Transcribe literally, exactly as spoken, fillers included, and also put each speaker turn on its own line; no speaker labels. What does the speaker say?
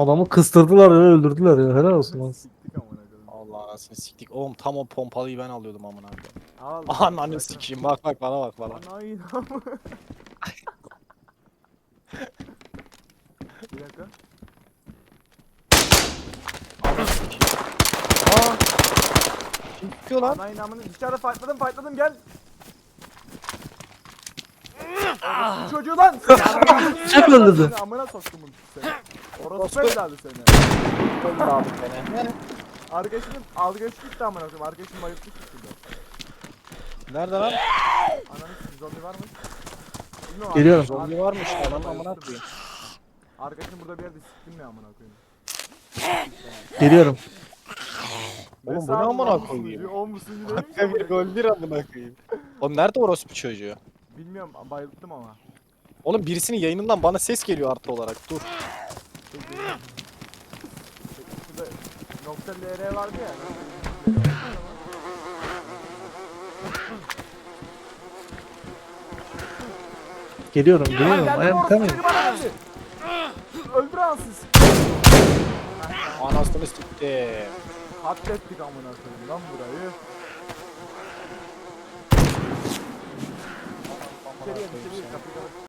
Adamı kıstırdılar ya, öldürdüler ya. Helal olsun lan.
Siktik amına koyayım.
Allah anasını siktik. Oğlum tam o pompalıyı ben alıyordum amına koyayım.
Al.
Ananı
bırakın.
sikeyim, bak bak bana bak bana.
Anayın Bir dakika.
Ananı sikeyim. Aa. Kim tutuyor lan?
Anayın amını dışarıda fightladım fightladım gel. Orospu çocuğu lan.
Kim öldürdü?
Seni Amına soktum bunu seni. Orospu
Orospu.
evladı seni.
Öldür abi beni.
Arkadaşının algıç gitti amına koyayım. Arkadaşım bayılttı şekilde.
Nerede lan?
Ananı sikeyim zombi var mı? Bilmiyorum,
Geliyorum.
arkadaşım-
Zombi varmış
Arkadaşım
lan amına
bayılttı
koyayım.
beni. Arkadaşım burada bir yerde siktim ne amına koyayım.
Geliyorum.
Oğlum bu
Mesela
ne amına
on musun
koyayım?
diyor, on musun diyor, neymiş
Hakikaten
amına
bir
koyayım?
gol bir amına koyayım. Oğlum nerede orospu çocuğu?
Bilmiyorum bayılttım ama.
Oğlum birisinin yayınından bana ses geliyor artı olarak. Dur.
Şey geliyor. Şurada nokta L R vardı ya.
Geliyorum.
Lan
Geliyorum.
geldi
I am
orospu
coming.
çocuğu bana geldi. Öldür ansız.
Anasını sikti.
Katlettik amına koyayım lan burayı. İçeriye içeriye kapıyı kapat.